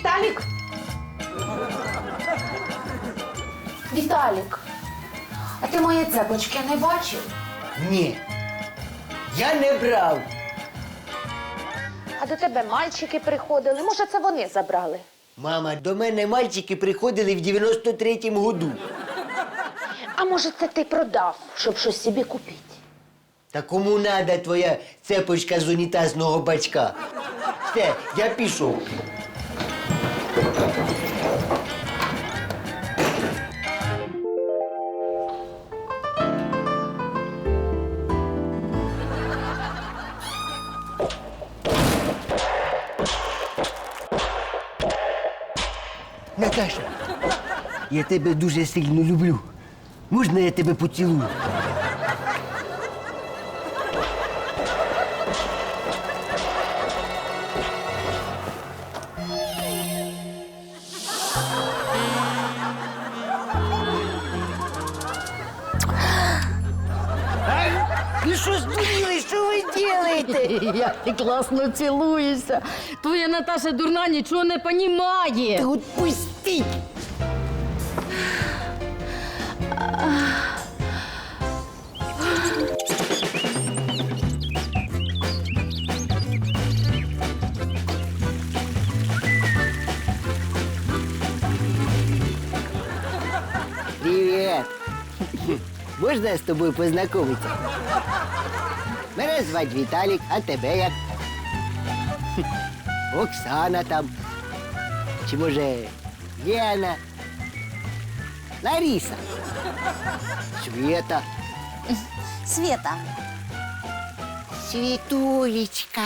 Віталік? Віталік, а ти мої цепочки не бачив? Ні. Я не брав. А до тебе мальчики приходили. Може, це вони забрали? Мама, до мене мальчики приходили в 93-му году. А може, це ти продав, щоб щось собі купити? Та кому надо твоя цепочка з унітазного бачка? Все, я пішов. Наташа, я тебе дуже сильно люблю. Можна я тебе поцілую? Ви що здуріли? Що ви робите? Як ти класно цілуєшся. Твоя Наташа дурна нічого не понімає. Та отпустіть! Привіт! Можна я з тобою познайомитися? Мене звати Віталік, а тебе як? Оксана там. Чи може Лена? Лариса? Света? Света. Світулечка.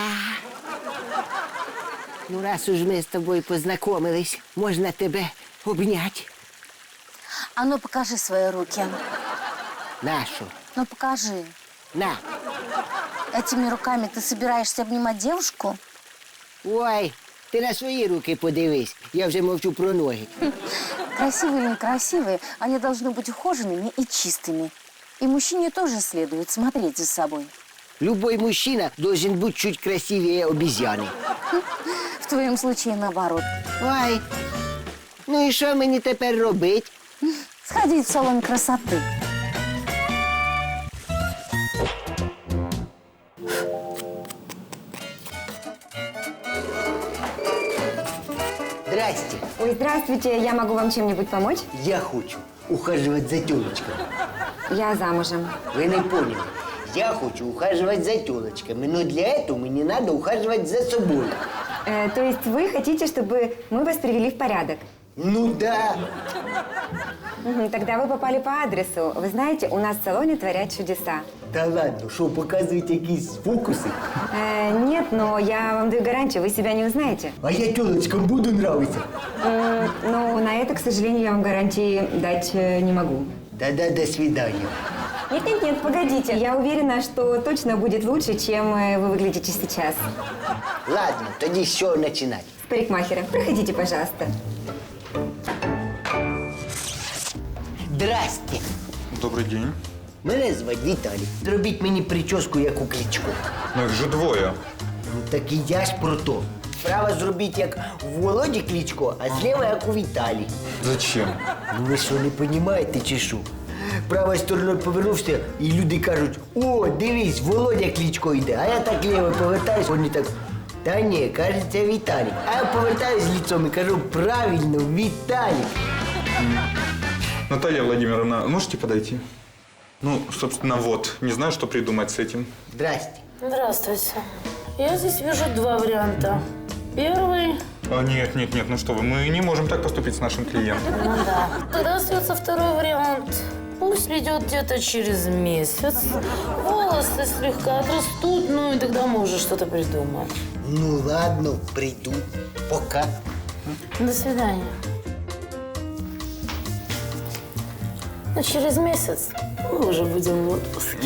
Ну, раз уж ми з тобою познайомились, можна тебе обняти. А ну покажи свои руки. Нашу. Ну покажи. На. Этими руками ты собираешься обнимать девушку? Ой, ти на свої руки подивись. Я вже мовчу про ноги. Красивые или некрасивые, они должны быть ухоженными и чистыми. И мужчине тоже следует смотреть за собой. Любой мужчина должен быть чуть красивее обезьяны. В твоем случае наоборот. Ой, ну і що мені тепер робити? Сходить в салон красоты. Здрасте. Ой, здравствуйте, я могу вам чем-нибудь помочь? Я хочу ухаживать за тёлочками. Я замужем. Вы не поняли. Я хочу ухаживать за тёлочками, но для этого мне надо ухаживать за собой. То есть вы хотите, чтобы мы вас привели в порядок? Ну да. Тогда вы попали по адресу. Вы знаете, у нас в салоне творят чудеса. Да ладно, что, показывать якісь фокусы? Нет, но я вам даю гарантию, вы себя не узнаете. А я тёлочкам буду нравиться. Но на это, к сожалению, я вам гарантии дать не могу. Да-да, до свидания. Нет, погодите. Я уверена, что точно будет лучше, чем вы выглядите сейчас. Ладно, тоді з чого починати? С парикмахера. Проходите, пожалуйста. Здрасте. Добрий день. Мене звати Віталій. Зробіть мені прическу, як у Кличко. Ну їх же двоє. Ну так і я ж про то. Справа зробіть, як у Володі Кличко, а зліва, як у Віталі. Зачем? Ну ви що, не розумієте чи що? Правою стороною повернувся, і люди кажуть: о, дивись, Володя Кличко йде. А я так ліво повертаюсь, вони так: та ні, кажеться, Віталій. А я повертаюсь лицом і кажу: правильно, Віталій. Наталья Владимировна, можете подойти? Ну, собственно, вот. Не знаю, что придумать с этим. Здрасте. Здравствуйте. Я здесь вижу два варианта. Первый... А, нет, ну что вы, мы не можем так поступить с нашим клиентом. Ну да. Тогда остается второй вариант. Пусть придет где-то через месяц. Волосы слегка отрастут, ну и тогда мы уже что-то придумаем. Ну ладно, прийду. Пока. До свидания. Но через месяц мы уже будем в отпуске.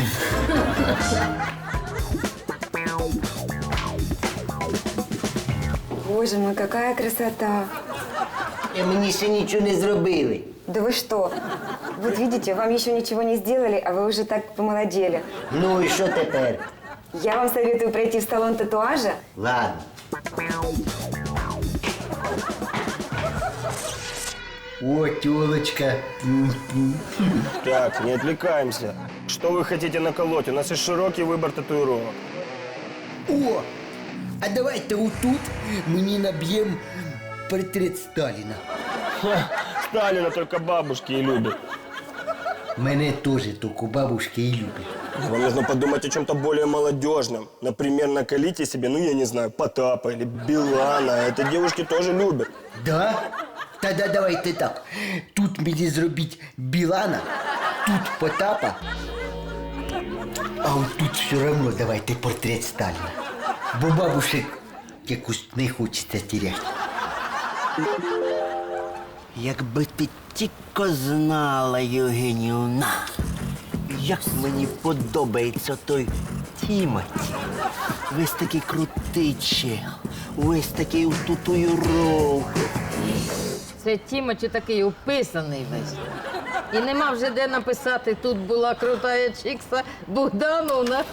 Боже мой, какая красота. Мені ще нічого не зробили. Да вы что? Вот видите, вам еще ничего не сделали, а вы уже так помолодели. Ну і що тепер? Я вам советую пройти в салон татуажа. Ладно. О, тёлочка. Так, не отвлекаемся. Что вы хотите наколоть? У нас есть широкий выбор татуировок. О, а давайте отут мені наб'єм портрет Сталіна. Сталина только бабушки и любят. Мене теж тільки бабушки і люблять. Вам нужно подумать о чем-то более молодежном. Например, наколите себе, ну я не знаю, Потапа или Билана. Это девушки тоже любят. Да? Тогда давайте так. Тут мені зробіть Білана, тут Потапа, а от тут все одно давайте портрет Сталіна. Бо бабушек якось не хочеться теряти. Якби ти тільки знала, Євгенівна, як мені подобається той Тімоті. Весь такий крутий чел, весь такий у татуїровки. Це Тімочі такий уписаний весь. І нема вже де написати, тут була крутая чикса Богдановна.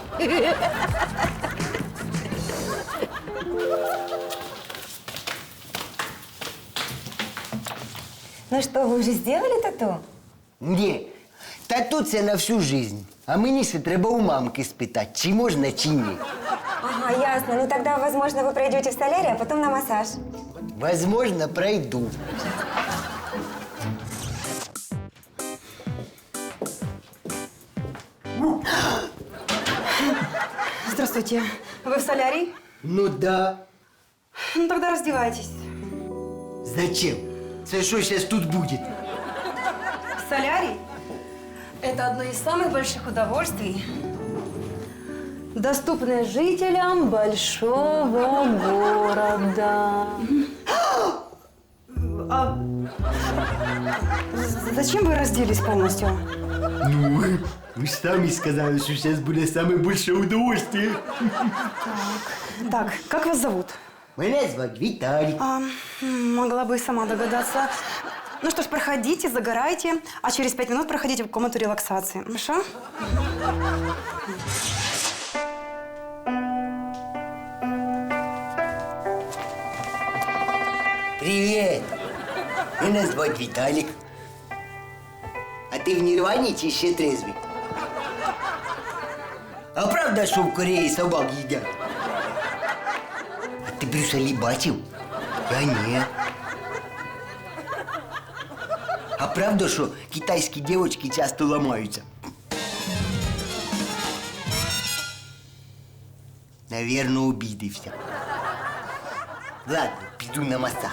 Ну что, вы уже сделали тату? Ні, тату це на всю жизнь. А мені ще треба у мамки спитати, чи можна, чи ні. Ага, ясно. Ну тогда, возможно, вы пройдете в солярий, а потом на массаж. Возможно, пройду. Здравствуйте. Вы в солярий? Ну да. Ну тогда раздевайтесь. Зачем? Це що зараз тут буде? Солярий – это одно из самых больших удовольствий, доступное жителям большого города. Зачем вы разделись полностью? Ну, ви ж самі сказали, що зараз буде саме більше удовольствие. Так, как вас зовут? Мене звати Віталік. Могла бы и сама догадаться. Ну что ж, проходите, загорайте, а через 5 минут проходите в комнату релаксации. Хорошо? Привіт! Мене звати Віталік. А ти в Нірвані чи ще трезвий? А правда, що в Кореї собак їдять? А ти Брюса Лі бачив? Я ні. А правда, що китайські дівчатки часто ламаються? Наверно, обідився. Ладно, піду на масаж.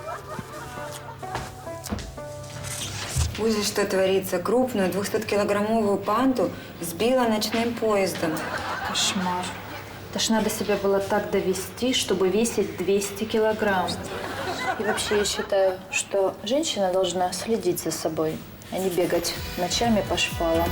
Ужас, что творится. Крупную 200-килограммовую панту сбила ночным поездом. Кошмар. Это ж надо себя было так довести, чтобы весить 200 килограмм. И вообще я считаю, что женщина должна следить за собой, а не бегать ночами по шпалам.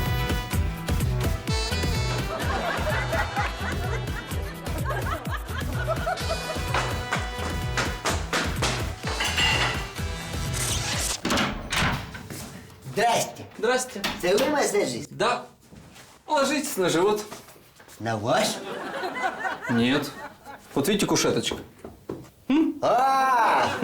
Здрасте. Здрасте. Це ви масажист? Да. Ложитесь на живот. На ваш? Нет. Вот видите кушеточка? А!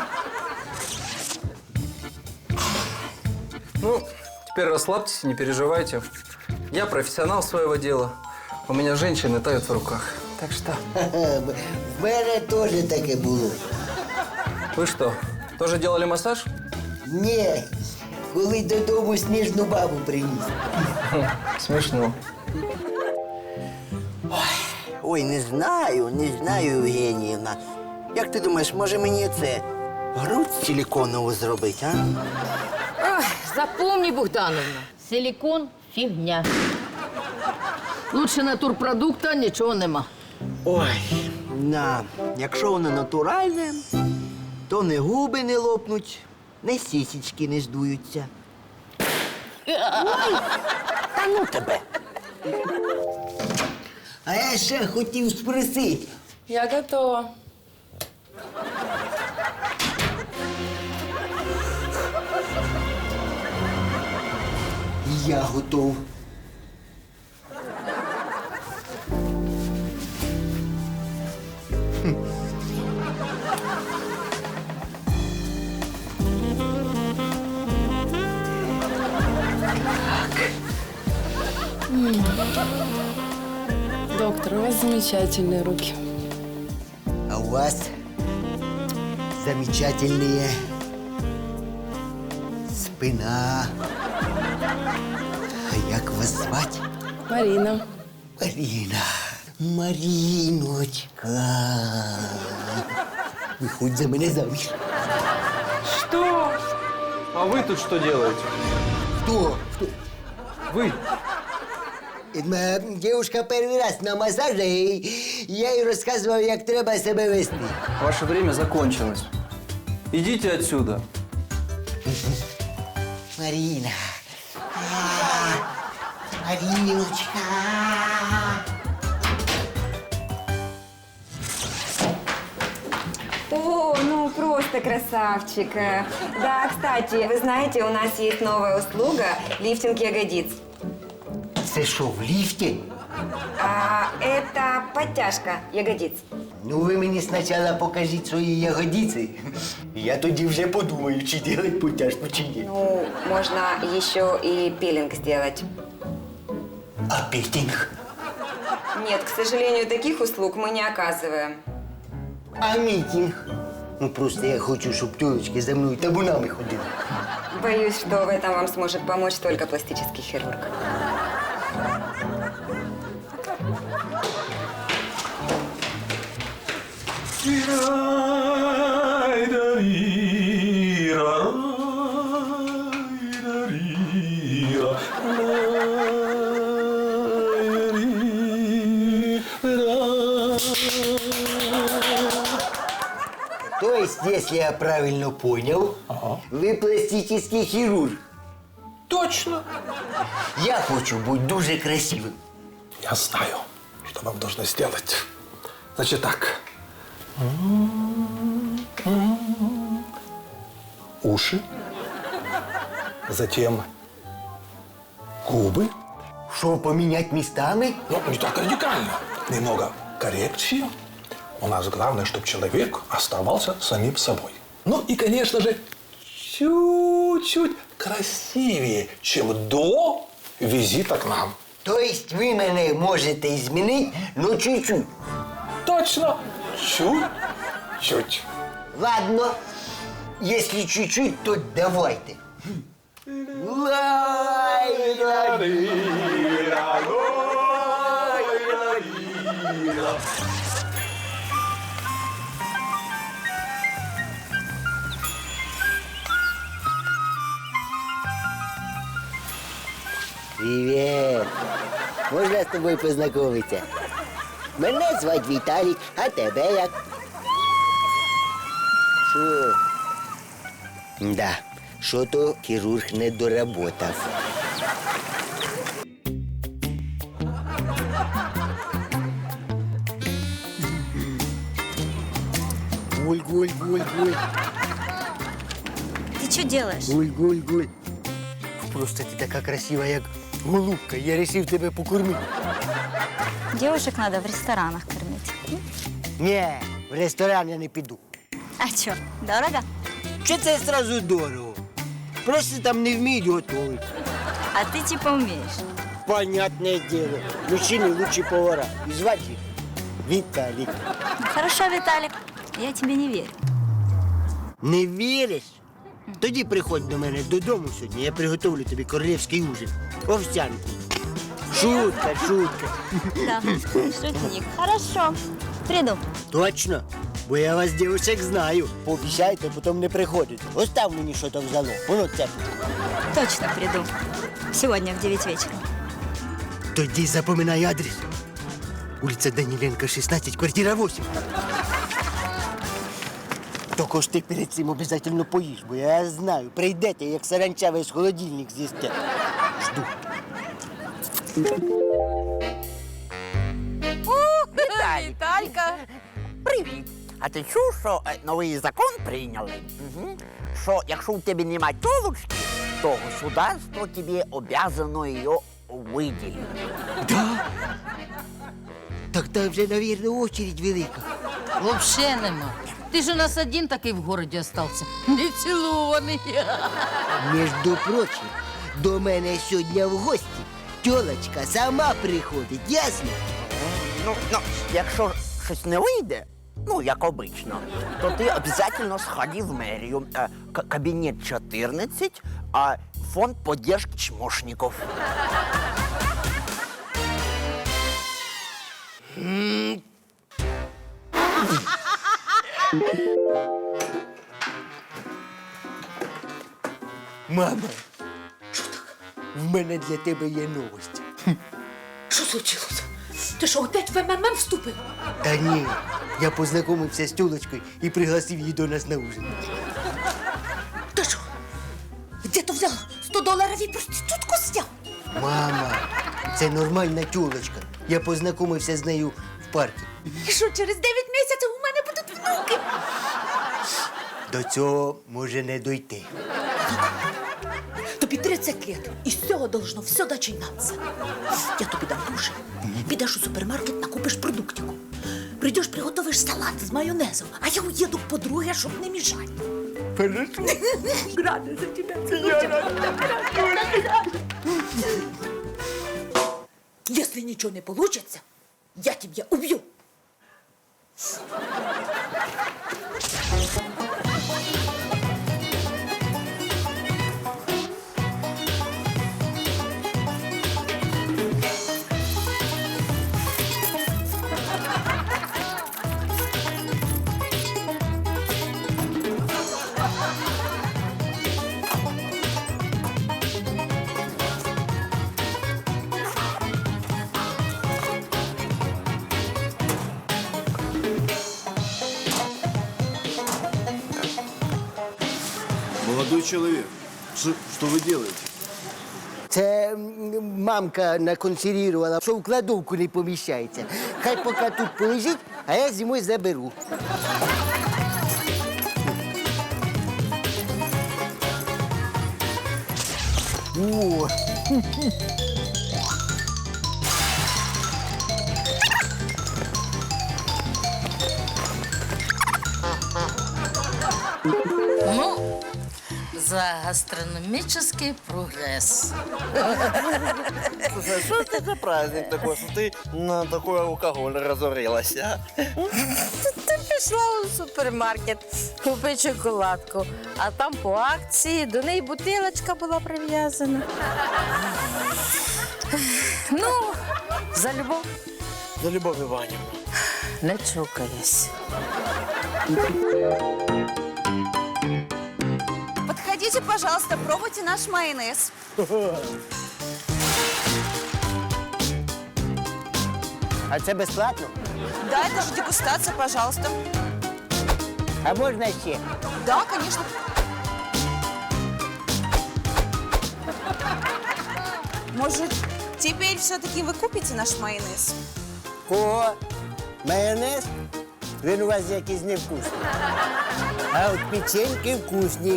Ну, теперь расслабьтесь, не переживайте. Я профессионал своего дела. У меня женщины тают в руках. Так что... В мене теж таке було. Вы что, тоже делали массаж? Ні, коли додому сніжну бабу приніс. Смешно. Ой, не знаю, Євгенівна. Як ти думаєш, може мені це грудь силіконову зробити, а? Ой, запомни, Богдановна, силікон – фігня. Лучше натурпродукта нічого нема. Ой, якщо воно натуральне, то не губи не лопнуть, не сісічки не здуються. Ой, та ну тебе. А я ще хотів спросити. Я готова. Я готов. Доктор, у вас замечательные руки. А у вас замечательные спина. А як вас звати? Марина. Марина. Мариночка. Виходь за мене заміж. Что? А вы тут что делаете? Хто? Вы? Моя дівчинка перший раз на масажі, і я їй розказував, як треба себе вести. Ваше время закончилось. Идите отсюда. Марина. Мариночка. О, ну просто красавчик. Да, кстати, вы знаете, у нас есть новая услуга – лифтинг ягодиц. Це що, в ліфті? Это подтяжка ягодиц. Ну, ви мені спочатку покажіть свої ягодиці. Я тоді вже подумаю, чи робити потяжку, чи ні. Ну, можно еще и пилинг сделать. А петинг? Нет, к сожалению, таких услуг мы не оказываем. А мітинг? Ну, просто я хочу, щоб тёлочки за мною табунами ходили. Боюсь, что в этом вам сможет помочь только пластический хирург. То есть, если я правильно понял, вы пластический хирург. Точно. Я хочу быть дуже красивым. Я знаю, что вам нужно сделать. Значит так. Уши. Затем губы. Что, поменять местами? Ну, не так радикально. Немного коррекции. У нас главное, чтобы человек оставался самим собой. Ну и, конечно же, чуть-чуть красивее, чем до визита к нам. То есть вы меня можете изменить, но чуть-чуть? Точно. Чуть-чуть. Ладно. Если чуть-чуть, то давайте. Привет. Можна з тобою познайомитися? Мене звати Віталік, а тебе як? Що? Да, що-то хірург не доработав. Гуль-гуль-гуль-гуль. Ты что делаешь? Гуль-гуль-гуль. Просто ти така красива, як голубка. Я вирішив тебе покормити. Девушек надо в ресторанах кормить. Ні, в ресторан я не піду. А что, дорого? Чи це одразу дорого? Просто там не вміють готувати. А ты типа умеешь. Понятне діло. Мужчини лучші повара. І звати їх Віталік. Ну, хорошо, Виталик, я тебе не верю. Не віриш? Тоді приходь до мене додому сьогодні, я приготовлю тобі королівський ужин. Овсянку. Шутка, шутка. Да, шутник. Хорошо, приду. Точно? Бо я вас, дівчаток, знаю. Пообіцяйте, потім не приходите. Остав мені що там взяло. Воно це. Точно приду. Сегодня в 9 вечера. Тоді запоминай адрес. Улиця Даніленка, 16, квартира 8. Тільки ж ти перед цим обов'язково поїж, бо я знаю, прийдете, як саранча весь холодильник з'їсте. Жду. Віталька! Привіт! А ти чув, що новий закон прийняли? Що якщо у тебе немає тілочки, то государство тобі обязано її виділити. Да? Так там вже, мабуть, очередь велика. Вообще нема. Ти ж у нас один такий в городі остався. Не цілований. Між прочим, до мене сьогодні в гості тілочка сама приходить, ясно? Ну, якщо щось не вийде, ну, як обично, то ти обов'язково сходи в мерію. Кабінет 14, а фонд поддержки чмошників. Мама, в мене для тебе є новость. Що случилось? Ти що, опять в МММ вступив? Та ні, я познайомився з тілочкою і пригласив її до нас на ужин. Ти що? Де ти взяв $100 і проститутку зняв? Мама, це нормальна тілочка. Я познайомився з нею в парку. І що, через 9 місяців у мене будуть внуки? До цього може не дойти. Тобі 30 лет, і з цього должно все починатися. Я тобі дам гроші. Підеш у супермаркет, накупиш продуктику. Прийдеш, приготовиш салат з майонезом, а я уїду к подруге, щоб не мішати. Хорошо. Рада за тебе. Если ничего не получится, я тебя убью. Молодой человек, что вы делаете? Це мамка наконсервувала, що в кладовку не поміщається. Хай поки тут полежить, а я зимою заберу. О! Ну, за гастрономический прогресс. Слушай, а что это за праздник такой, что ты на такой алкоголь разорилась, а? Ти пішла у супермаркет, купи шоколадку, а там по акції до неї бутилочка була прив'язана. Ну, за любов. За Любовь Ивановна. Не чокаясь. Подходите, пожалуйста, пробуйте наш майонез. А це безплатно? Да, это же дегустация, пожалуйста. А можна ще? Да, конечно. Может, теперь все-таки вы купите наш майонез? Кого? Майонез? Він у вас якийсь невкусний. А от печеньки вкусні.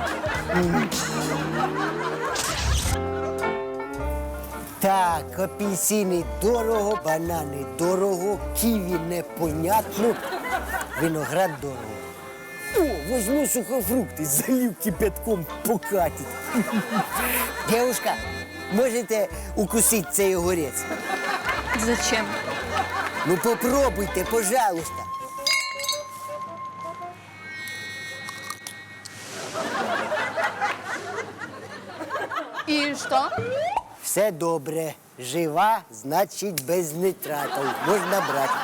Так, апельсини дорого, банани дорого, ківі непонятно, виноград дорого. О, возьму сухофрукти, залив кипятком покатить. Девушка, можете укусити цей огурець? Зачем? Ну попробуйте, пожалуйста. И что? Все добре. Жива, значить без нитратів. Можна брати.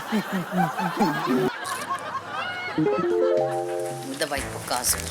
Давай, показуй.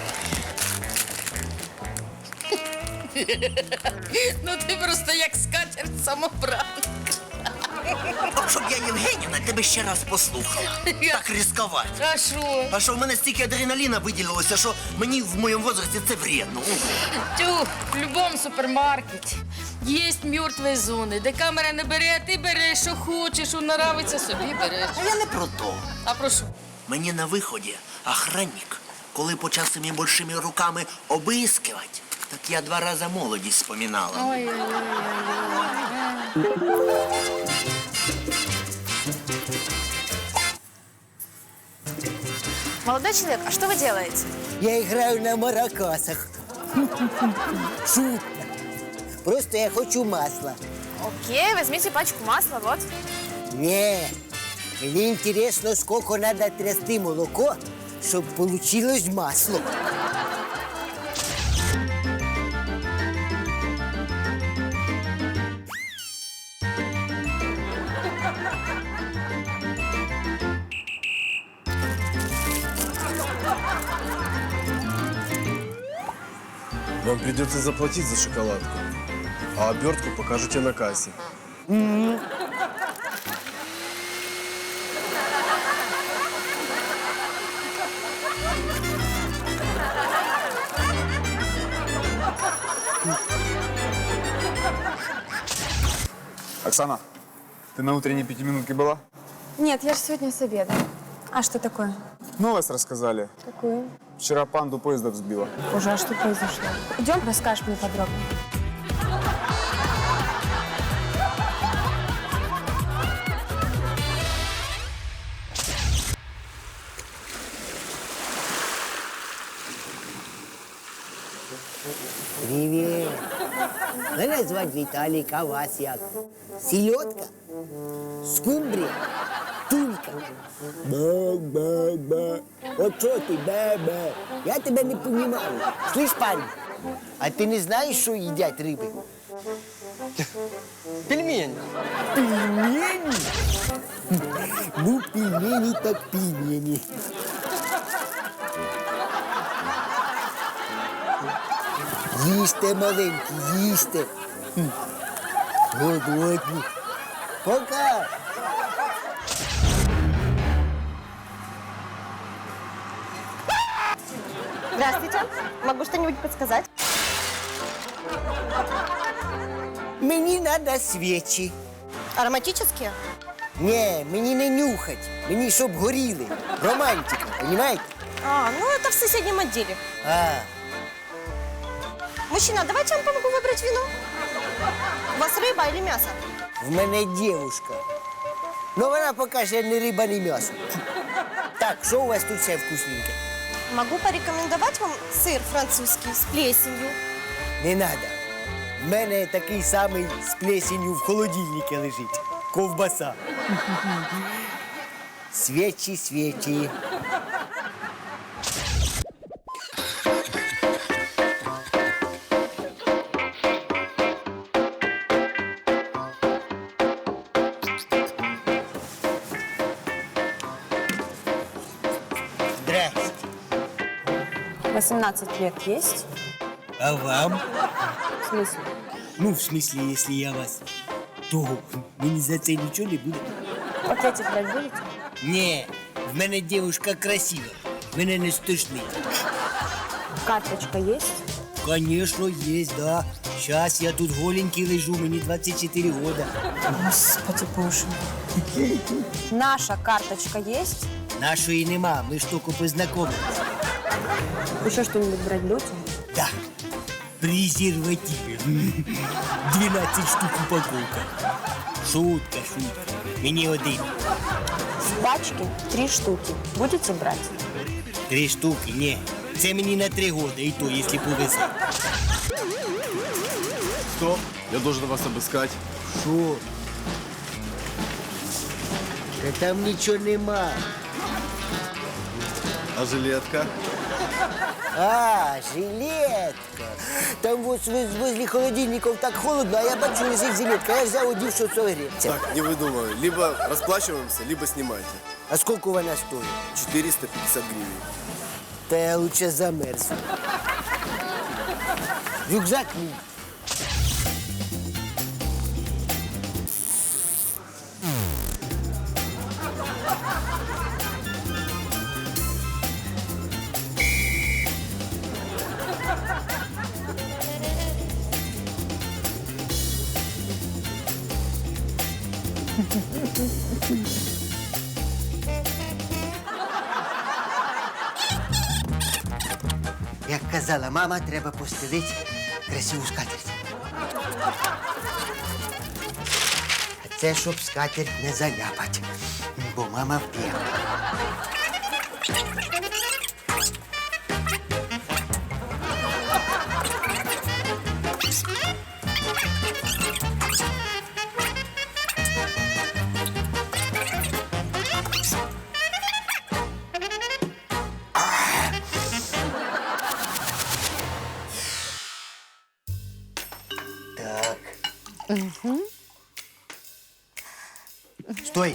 Ну ти просто як скатерть самобранка. От щоб я, Євгенівна, тебе ще раз послухала. Так ризикувати. А що? А що в мене стільки адреналіна виділилося, що мені в моєму возрасті це вредно. Тю, в будь-якому супермаркеті є мертві зони, де камера не бере, а ти береш, що хочеш, що нравиться, собі береш. А я не про то. А про що? Мені на виході охранник, коли почав своїми большими руками обискивати, так я 2 рази молодість споминала. Молодой человек, а что вы делаете? Я граю на маракасах. Шутка. Просто я хочу масла. Окей, возьмите пачку масла, вот. Не, мне интересно, сколько надо трясти молоко, чтобы получилось масло. Вам придется заплатить за шоколадку, а обертку покажете на кассе. Оксана, ты на утренней пятиминутке была? Нет, я же сегодня с обеда. А что такое? Новость рассказали. Какую? Вчера панду поезда взбила. Боже, а что произошло? Идем, расскажешь мне подробно. Привет. Мене звати Віталік, а вас як? Сільотка? Скумбрія? Тулька? Ба-ба-ба. От що ти, ба-ба? Я тебе не понімаю. Слышь, парень, а ти не знаєш, що їдять риби? Пельмень. Пельмені? Ну, пельмені так пельмені. Їсте, маленькі, їсте. Голодні. Пока. Здравствуйте. Могу что-нибудь подсказать? Мені треба свічі. Ароматические? Ні, мені не нюхать. Мені щоб горіли. Романтика, розумієте? А, ну это в соседнем отделе. А, Мужчина, давайте я вам помогу выбрать вино. У вас рыба или мясо? в мене дівушка. Ну вона покаже ні риба, ні м'ясо. Так, що у вас тут все вкусненьке? Могу порекомендовать вам сыр французский с плесенью. Не надо. В мене такий самий з плесенью в холодильнику лежить. Ковбаса. Свічі, свічі. Здрасте. 18 лет есть? А вам? В смысле? Ну, в смысле, если я вас, то мені за це нічого не буде. Пакетик брать будете? Ні, в мене дівчинка красива. Мене не стошнить. Карточка есть? Конечно, есть, да. Сейчас я тут голенький лежу, мені 24 года. Господи боже. Наша карточка есть? Нашої нема, ми ж тільки познайомились. Еще что-нибудь брать будете? Да, презервативи. 12 штук упаковка. Шутка, шутка. Мені один. В пачке 3 штуки. Будете брать? 3 штуки, ні. Це мені на 3 года, і то, якщо повезе. Стоп, я должен вас обыскать. Що? Та там нічого нема. А жилетка? А, жилетка. Там вот возле холодильников так холодно, а я бачу, лежит жилетка. Я взял, одів, що согреться. Так, не выдумывай. Либо расплачиваемся, либо снимайте. А сколько вона стоит? 450 гривен. Та я лучше замерзну. Рюкзак мій. Як казала мама, треба постелити красиву скатерть. А це щоб скатерть не заляпать, бо мама вп'є. Стой!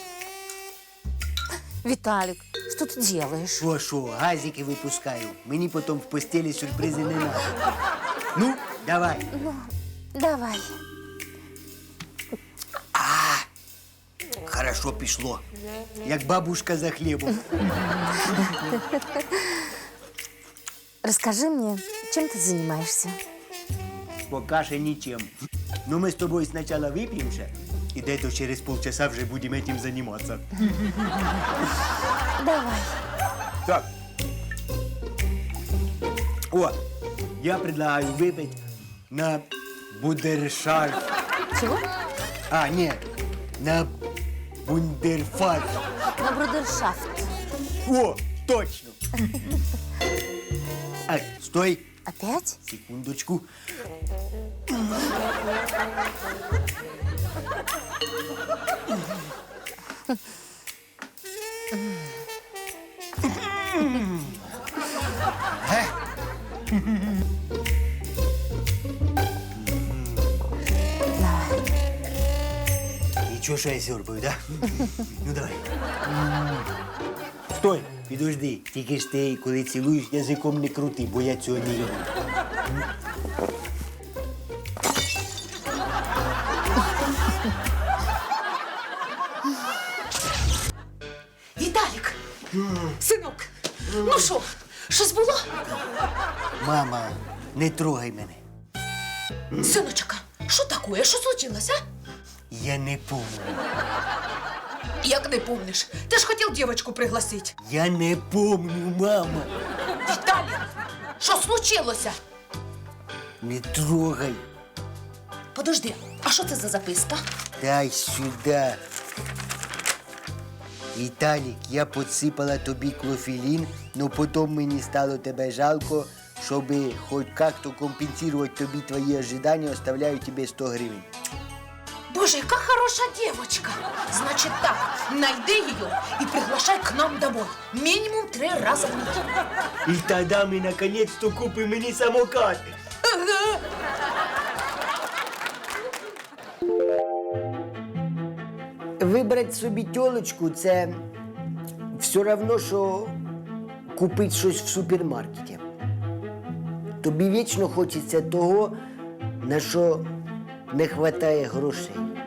Виталик, что ты делаешь? Шо, газики випускаю. Мені потім в постелі сюрпризи не надо. Ну, давай. Ну, давай. Хорошо пішло. Як бабушка за хлібом. Расскажи мне, чем ты занимаешься? Пока що нічим. Ну, ми з тобою спочатку вип'ємося, і десь через полчаса вже будемо цим займатися. Давай. Так. О, я предлагаю выпить на бундершафт. Чего? А, нет, на бундерфарш. На брудершафт. О, точно. Ай, стой. Опять? Секундочку. Ничего, что я сёрбаю, да? Ну, давай. Стой, підожди. Тільки ж ти, коли цілуєш, язиком не крути, бо я цього не люблю. Віталік! Синок! Ну що, щось було? Мама, не трогай мене. Синочка, що таке? Що случилось, а? Я не помню. Як не помниш? Ти ж хотів дівчинку пригласити. Я не помню, мама. Віталік, що случилося? Не трогай. Подожди, а що це за записка? Дай сюда. Віталік, я підсипала тобі клофелін, но потім мені стало тебе жалко, щоб хоч як-то компенсувати тобі твої ожидання, оставляю тебе 100 гривень. Боже, яка хороша дівчинка. Значить так, найди її і приглашай к нам домой. Мінімум 3 рази в неділю. І тоді ми наконець-то купимо мені самокат. Ага. Вибрати собі тьолочку – це все одно, що купити щось в супермаркеті. Тобі вічно хочеться того, на що не вистачає грошей.